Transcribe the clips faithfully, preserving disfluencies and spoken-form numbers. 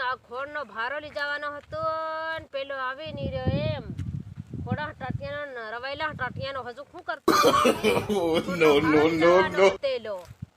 આ ખોડનો ભારો લઈ જવાનો હતો ને પેલો આવી નહીં રહ્યો એમ ખોડા ટાટિયાનો રવાયેલા ટાટિયાનો હજુ શું કરતો નો નો નો નો તેલો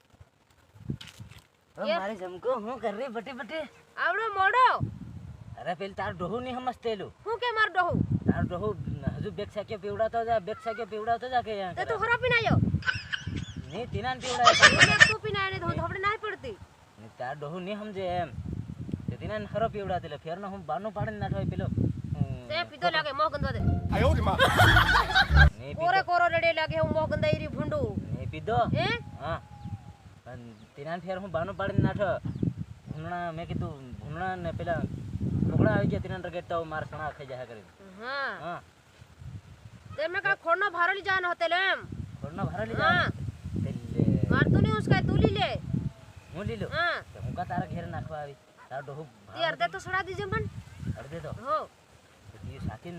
મારે જમકો હું કર રહી બટે બટે આવડો મોડો અરે પેલ તાર ડોહુ ની સમજતેલું હું કે માર ડોહું તાર ડોહુ હજુ બેક સાકે પીવડાતો જા બેક સાકે પીવડાતો જા કે તે તો ખરા પીને આવ્યો ની તીનાન પીવડાય મેં તું પીને આવ્યો ને તો ધોબડે ના પડતી ની તાર ડોહુ ની સમજે એમ તે તીનાન ખરો પીવડાતેલો ફેરનો હું બાનું પાડીને નાઠવાય પેલો તે પીધો લાગે મોહ ગંદવા દે આયો રે માં ની કોરે કોરો રેડે લાગે હું મોહ ગંદાઈ રી ભૂંડું ની પીધો હે હા પણ તીનાન ફેર હું બાનું પાડીને નાઠો ભૂંગણા મેં કીધું ભૂંગણા ને પેલા ટુકડા આવી ગયા તીનાન રગેટતા માર સણા ખાઈ જાય કરીને હા હા તે મેં કા ખોડનો ભારો લઈ જવાનો હતો એમ ખોડનો ભારો લઈ હા જા તેલે માર તું નહીં ઉસકાય તું લી લે હું લીલો હા તો હું કા તારા ઘેર નાખવા આવી તાર ડોહુ તે અર્ધે તો સડા દીજે મન અડધે તો હો તી સાકીન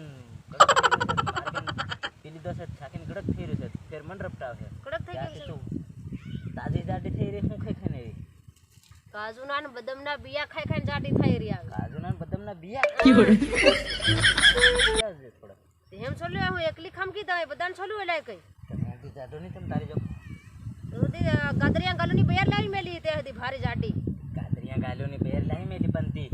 પેલી દો છે સાકીન ગડક થઈ રહ્યું છે ફેર મન રપટાવ છે કડક થઈ ગઈ છે તું તાજી જાડી થઈ રહી હું ખાઈ ખાઈને રહી કાજુના ને બદામના બિયા ખાઈ ખાઈને જાડી થઈ રહી આવે કાજુના ને બદામના બિયા થોડા એમ છોલ્યો હું એકલી ખમકી તો બધાને છોલ્યું એલાય કઈ તમે બી જાડો નહીં તમે તારી જો ઉધી ગાદરિયા ગાલુની બેર લાવી મેલી તે હતી ભારી જાડી કાતરિયા ગાલ્યોની બેર લાવી મેલી પણ તી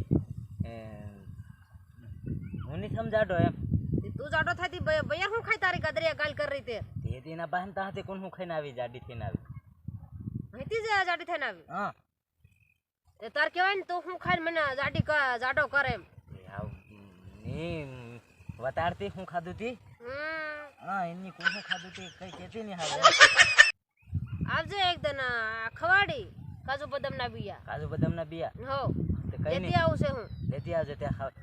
હું નહીં સમજાડો એમ તું જાડો થાતી બૈયા હું ખાઈ તારી ગાદરિયા ગાલ કરી રહી તે તે દીના બહેન તાહતે કોણ હું ખાઈને આવી જાડી થઈને આવી અહીંથી જ જાડી થઈને આવી હા એ તાર કહેવાય ને તું હું ખાઈને મને જાડી જાડો કરે એમ આવ ની વતાડતી હું ખાધું તી હમ હા એની કોણ હું ખાધું તી કઈ કહેતી નહીં હાલ આવજે એકદમ ખવાડી કાજુ બદામના બિયા કાજુ બદામના બિયા હો તે કઈ લેતી નહીં આવું છે હું લેતી આવજે ત્યાં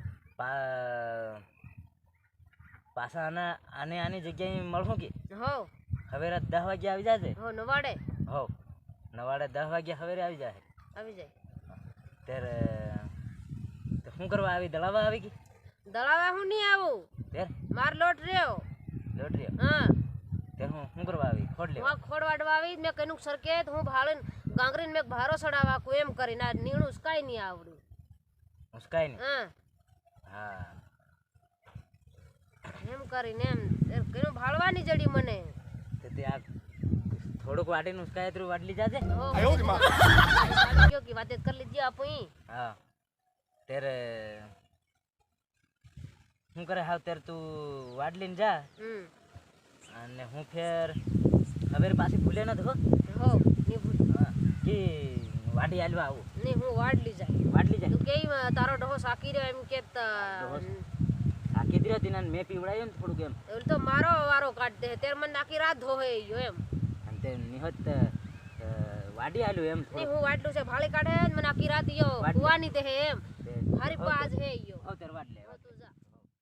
પાછા આના આને આની જગ્યાએ મળું કે હો હવે રાત દસ વાગે આવી જાજે હો નવાડે હો નવાડે દસ વાગે હવે આવી જાય આવી જાય ત્યારે તો શું કરવા આવી દળાવા આવી ગઈ દળાવા હું નહીં આવું ત્યારે માર લોટ રહ્યો લોટ રહ્યો હા ત્યારે હું શું કરવા આવી ખોડ લેવા હું ખોડ વાડવા આવી મેં કઈનું સરકે હું ભાળીને ગાંગરીને મેં ભારો સડાવા કો એમ કરીને આ નીણું કાંઈ નહીં આવડ્યું મુસ્કાઈ ને હા હા એમ કરીને એમ કઈનું ભાળવાની જડી મને તો તે આ થોડુંક વાટીને ઉસકાય તો વાટલી જાજે હો આયો રે માં ગયો કે વાતે કરી લીધી આપું હા ત્યારે શું કરે હાવ ત્યારે તું વાટલીને જા હમ અને હું ફેર હવે પાછી ભૂલે ન થો હો નહીં ભૂલ હા કે વાડી હાલવા આવું નહીં હું વાડલી જાય વાટલી જાય તું કે તારો ડહો સાકી રહ્યો એમ કે આ કીધી હતી ને મેં પીવડાયું ને થોડુંક એમ એવું તો મારો વારો કાઢ દે ત્યારે મને નાખી રાત ધોહે ગયો એમ અને તે નિહત વાડી હાલ્યું એમ નહીં હું વાટલું છે ભાળી કાઢે ને મને આખી રાત યો વાટલું. કુવાની તે હે એમ તે હારી પાજ હે યો હવે